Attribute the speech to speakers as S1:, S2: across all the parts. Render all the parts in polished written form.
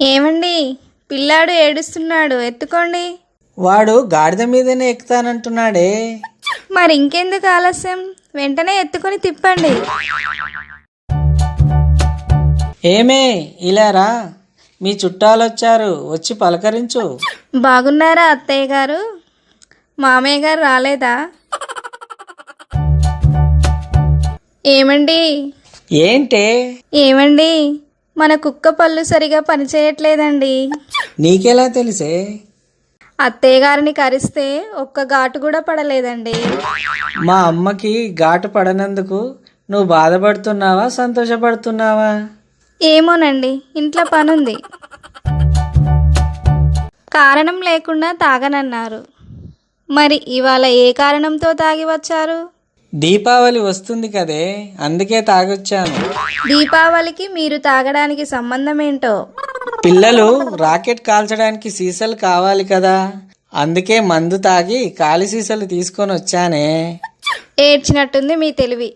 S1: ఏమండి, పిల్లాడు ఏడుస్తున్నాడు, ఎత్తుకోండి.
S2: వాడు గాడిద మీదనే ఎక్కుతానంటున్నాడే.
S1: మరి ఇంకెందుకు ఆలస్యం, వెంటనే ఎత్తుకొని తిప్పండి.
S2: ఏమే ఇలారా, మీ చుట్టాలొచ్చారు, వచ్చి పలకరించు.
S1: బాగున్నారా అత్తయ్య గారు? మామయ్య గారు రాలేదా? ఏమండి
S2: ఏంటే?
S1: ఏమండి, మన కుక్క పళ్ళు సరిగా పనిచేయట్లేదండి.
S2: నీకెలా తెలిసే?
S1: అత్తయ్య గారిని కరిస్తే ఒక్క ఘాటు కూడా పడలేదండి.
S2: మా అమ్మకి ఘాటు పడనందుకు నువ్వు బాధపడుతున్నావా, సంతోషపడుతున్నావా?
S1: ఏమోనండి, ఇంట్లో పనుంది. కారణం లేకుండా తాగనన్నారు. మరి ఇవాళ ఏ కారణంతో తాగి వచ్చారు?
S2: దీపావళి వస్తుంది కదే, అందుకే తాగొచ్చాను.
S1: దీపావళికి మీరు తాగడానికి సంబంధం ఏంటో?
S2: పిల్లలు రాకెట్ కాల్చడానికి సీసాలు కావాలి కదా, అందుకే మందు తాగి ఖాళీ సీసాలు తీసుకొని వచ్చానే.
S1: ఏడ్చినట్టుంది మీ తెలివి.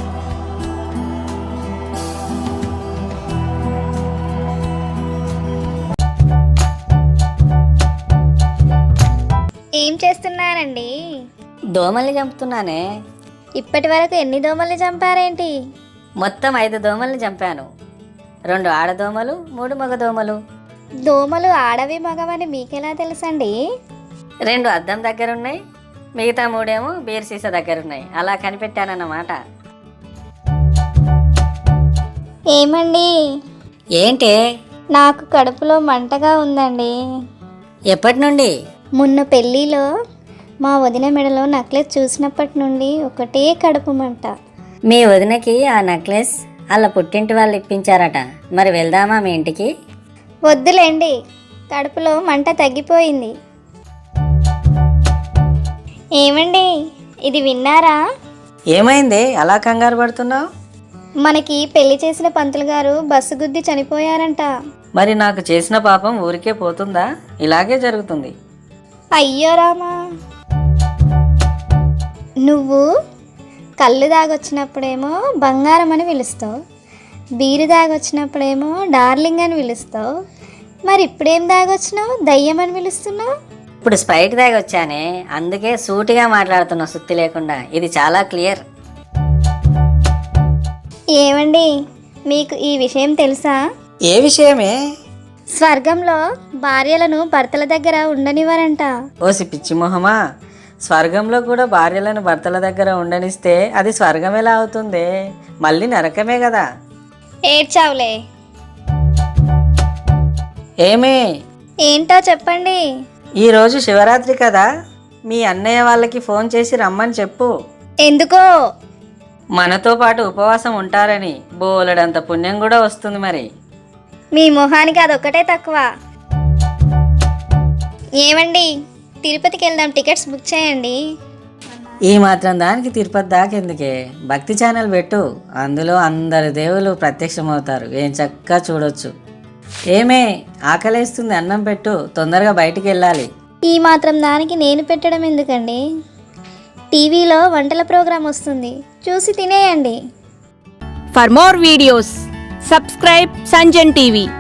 S1: ఏం చేస్తున్నారండి?
S3: దోమల్ని చంపుతున్నానే.
S1: ఇప్పటి వరకు ఎన్ని దోమల్ని చంపారేంటి?
S3: మొత్తం 5 దోమల్ని చంపాను. 2 ఆడదోమలు, 3 మగదోమలు.
S1: దోమలు ఆడవి మగవని మీకెలా తెలుసండి?
S3: 2 అద్దం దగ్గరున్నాయి, మిగతా 3 ఏమో బీర్ సీసా దగ్గరున్నాయి. అలా కనిపెట్టానన్నమాట.
S1: ఏమండి,
S3: ఏంటే?
S1: నాకు కడుపులో మంటగా ఉందండి.
S3: ఎప్పటి నుండి?
S1: మొన్న పెళ్ళిలో మా వదిన మెడలో నెక్లెస్ చూసినప్పటి నుండి ఒకటే కడుపు మంట.
S3: మీ వదినకి ఆ నెక్లెస్ అలా పుట్టింటి వాళ్ళు ఇప్పించారట. మరి వెళ్దామా మీ ఇంటికి?
S1: వద్దులేండి, కడుపులో మంట తగ్గిపోయింది. ఏమండి, ఇది విన్నారా?
S2: ఏమైంది అలా కంగారు పడుతున్నావు?
S1: మనకి పెళ్లి చేసిన పంతులు గారు బస్సు గుద్ది చనిపోయారంట.
S2: మరి నాకు చేసిన పాపం ఊరికే పోతుందా? ఇలాగే జరుగుతుంది.
S1: అయ్యో రామా, నువ్వు కళ్ళు దాగొచ్చినప్పుడేమో బంగారం అని పిలుస్తావు, బీరు దాగొచ్చినప్పుడేమో డార్లింగ్ అని పిలుస్తావు, మరి ఇప్పుడేం దాగొచ్చినావు, దయ్యం అని పిలుస్తున్నావు?
S3: ఇప్పుడు స్ప్రైట్ దాగి వచ్చానే, అందుకే సూటిగా మాట్లాడుతున్నా, సుత్తి లేకుండా. ఇది చాలా క్లియర్.
S1: ఏమండి, మీకు ఈ విషయం తెలుసా?
S2: ఏ విషయమే?
S1: స్వర్గంలో భార్యలను భర్తల దగ్గర ఉండనివ్వరంట.
S2: ఓసి పిచ్చి మొహమా, స్వర్గంలో కూడా భార్యలను భర్తల దగ్గర ఉండనిస్తే అది స్వర్గం ఎలా అవుతుంది? మళ్ళీ నరకమే కదా.
S1: ఏడ్చావులే.
S2: ఏమే?
S1: ఏంటో చెప్పండి.
S2: ఈరోజు శివరాత్రి కదా, మీ అన్నయ్య వాళ్ళకి ఫోన్ చేసి రమ్మని చెప్పు.
S1: ఎందుకో?
S2: మనతో పాటు ఉపవాసం ఉంటారని. బోలెడంత పుణ్యం కూడా వస్తుంది. మరి
S1: మీ మొహానికి అదొక్కటే తక్కువ. ఏమండి, తిరుపతికి వెళ్దాం, టికెట్స్ బుక్ చేయండి.
S2: ఈ మాత్రం దానికి తిరుపతి దాకెందుకే? భక్తి ఛానల్ పెట్టు, అందులో అందరి దేవుళ్ళు ప్రత్యక్షమవుతారు. ఏం చక్కగా చూడొచ్చు. ఏమే, ఆకలేస్తుంది, అన్నం పెట్టు, తొందరగా బయటికి వెళ్ళాలి.
S1: ఈ మాత్రం దానికి నేను పెట్టడం ఎందుకండి? టీవీలో వంటల ప్రోగ్రాం వస్తుంది, చూసి తినేయండి.
S4: For more videos, subscribe Sanjan TV.